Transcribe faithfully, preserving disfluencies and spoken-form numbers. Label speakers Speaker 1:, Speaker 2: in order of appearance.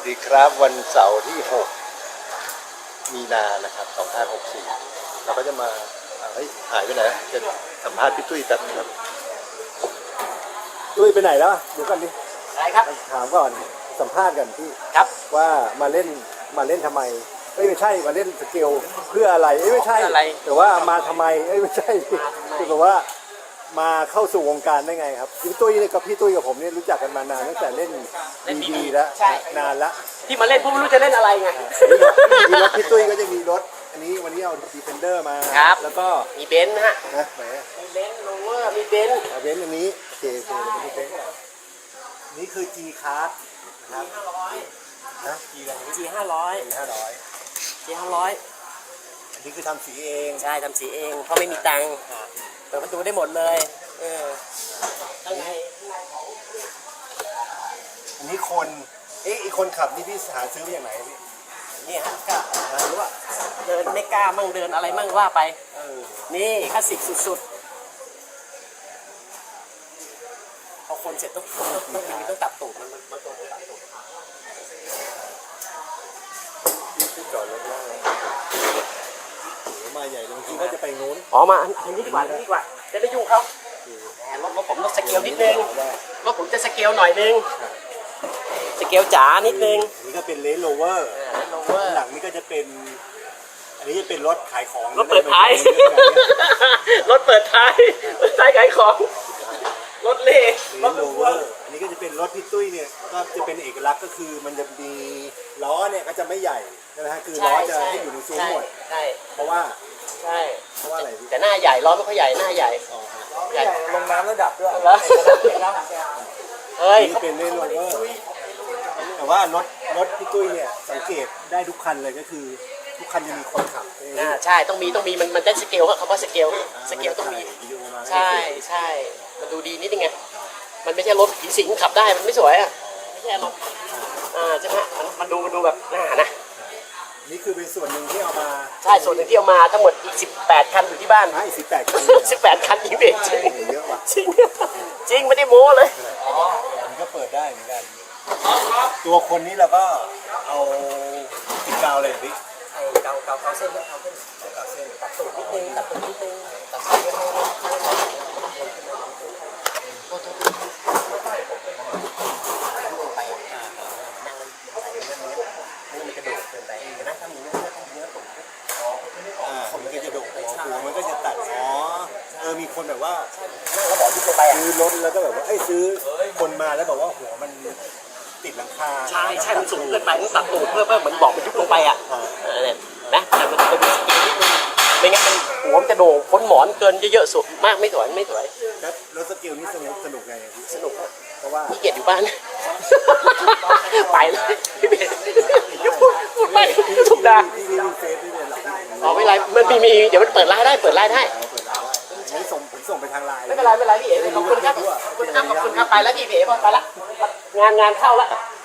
Speaker 1: ดีครับวันเสาร์ที่หกมีนานะครับสองพันหกสิบสี่เราก็จะมาเฮ้ยหายไปไหนจะสัมภาษณ์พี่ตุ้ยแป๊บนึงครับตุ้ยไปไหนแล้วเดี๋ยวก่อนดิ
Speaker 2: อะไรครับ
Speaker 1: ถามก่อนสัมภาษณ์กันพี่
Speaker 2: ครับ
Speaker 1: ว่ามาเล่นมาเล่นทำไมเอ้ยไม่ใช่มาเล่นสเกลเพื่ออะไรเอ้ยไม่ใช่แต่ว่ามาทำไมเอ้ยไม่ใช่คือแบบว่ามาเข้าสู่วงการได้ไงครับพี่ตุ้ยเนี่ยกับพี่ตุ้ยกับผมเนี่ยรู้จักกันมานานตั้งแต่เล่นดีดีแล้วนานละ
Speaker 2: ที่มาเล่นผมไม่รู้จะเล่นอะไรไง
Speaker 1: มีรถพี่ตุ้ยก็จะมีรถอันนี้วันนี้เอาดีเฟนเดอร์มา
Speaker 2: ครับ
Speaker 1: แล้วก็
Speaker 2: มีเบนซ์ฮะ
Speaker 1: นะไหน
Speaker 2: มีเบนซ์โรเวอร์มีเบนซ์
Speaker 1: เบนซ์อันนี้โอเคโอเคเราไปดูเบนซ์ก่อนนี่คือ G Card นะครับ
Speaker 2: ห้าร้อย
Speaker 1: นะ G อะไร
Speaker 2: จีห้าร้อย
Speaker 1: G ห้าร้อย
Speaker 2: จีห้าร้อย
Speaker 1: อันนี้คือทำสีเอง
Speaker 2: ใช่ทำสีเองเพราะไม่มีตังค์เปิดประตูได้หมดเลยเออข้างใน
Speaker 1: อันนี้คนเอ๊ะอีกคนขับนี่พี่หาซื้อมาจากไหนพี่
Speaker 2: นี่ฮะก็รู้ว่าเดินไม่กล้ามั่งเดินอะไรมั่งว่าไป
Speaker 1: เออ
Speaker 2: นี่คลาสสิกสุดๆพอคนเสร็จต้องต้องต้องมีต้องตัดตูดมันมันต้องตัดตูด
Speaker 1: นี่ที่จอดรถได้โหมาใหญ่เลยบางทีก็จะไปนู้น
Speaker 2: อ๋อมาอันนี้ดีกว่าอันนี้ดีกว่าจะได้ยุ่งเขารถรถผมรถสเกลนิดนึงรถผมจะสเกลหน่อยนึงสเกลจ๋านิดนึง
Speaker 1: นี่ก็เป็นเลนโรเวอร์หลังนี่ก็จะเป็นอันนี้จะเป็นรถขายของ
Speaker 2: รถเปิดท้ายรถเปิดท้ายรถท้ายขายของรถเล่
Speaker 1: รถโรเวอร์อันนี้ก็จะเป็นรถพี่ตุ้ยเนี่ยก็จะเป็นเอกลักษณ์ก็คือมันจะมีล้อเนี่ยก็จะไม่ใหญ่นะฮะคือล้อจะให้อยู่ในซุ้มหมด
Speaker 2: ใช่
Speaker 1: เพราะว่า
Speaker 2: ใช่
Speaker 1: เพราะว่าอะไร
Speaker 2: แต่หน้าใหญ่ล้อไม่ค่อยใหญ่หน้าใหญ่
Speaker 1: ใหญ่ลงน้ำระดับด้วย
Speaker 2: เฮ้ย
Speaker 1: เป็นเลนโรเวอร์แต่ว่ารถรถพี่ตุ้ยเนี่ยสังเกตได้ทุกคันเลยก็คือทุกคันจะมีคนขับ
Speaker 2: อ่าใช่ต้องมีต้องมีมันมันได้สเกลครับคำว่าสเกลสเกลต้องมีใช่ใช่มันดูดีนิดนึงไงมันไม่ใช่รถผีสิงขับได้มันไม่สวยอ่ะไม่ใช่รถอ่าใช่ไหมมันมันดูมันดูแบบน่านะ
Speaker 1: นี่คือเป็นส่วนหนึ่งที่เอามา
Speaker 2: ใช่ส่วนหนึ่งที่เอามาทั้งหมดอีกสิบแปดคันอยู่ที่บ้าน
Speaker 1: ใช่สิบแปดคัน
Speaker 2: สิบแปดคันจริงเด็จริง
Speaker 1: เยอะว่ะ
Speaker 2: จริงจริงไม่ได้โม้เลย
Speaker 1: มันก็เปิดได้เหมือนกันตัวคนนี้เราก็เอาติดกาวเลยพี่
Speaker 2: เกาเกาเกาเส้นเกาเส้น
Speaker 1: เกาเส้น
Speaker 2: ตัดตูดนิดนึงตัดตูดนิดนึงตัดเส้นให้ไปอ่ะนั่งใส่เรื่องนี้นี่มันกระโดดเกินไปแต่นั่งทำอย่างนี้ต้องเนื้อตูด
Speaker 1: อ่ามันก็จะโดดหัวหัวมันก็จะตัดอ๋อเออมีคนแบบว่า
Speaker 2: นั่งแล้วบอกที่ตัวไปอ่ะ
Speaker 1: ซื้อรถแล้วก็แบบว่าเอ้ยซื้อคนมาแล้วบอกว่าหัวมันติดหลังคา
Speaker 2: ใช่ใช่มันสูงเกินไปต้องตัดตูดเพื่อเพื่อเหมือนบอกมันยุบลงไปอ่ะเนี่ยนะแต่มันจะมีสกิลนิดนึงไม่งั้นมันหัวมันจะโด่งพ้นหมอนเกินเยอะๆสุดมากไม่สวยไม่สวย
Speaker 1: แล้วรถสกิลนี่สนุกสนุกไง
Speaker 2: สนุก
Speaker 1: เพราะว่า
Speaker 2: พี่เกียรติอยู่บ้านไปเลยพี่เบียร์พูดพูดไปทุกดา
Speaker 1: พี่มีเฟซด้วยหรอ
Speaker 2: อ๋อไม่ไรมันมีมีเดี๋ยวมันเปิดไลน์ได้เปิดไลน์ได้
Speaker 1: ไม่ส่งผมส่งไปทางไลน์
Speaker 2: ไม่เป็นไรไม่เป็นไรพี่เอ๋ขอบคุณครับขอบคุณครับขอบคุณครับไปแล้วพี่เอ๋ไปละงานงานเข้าละ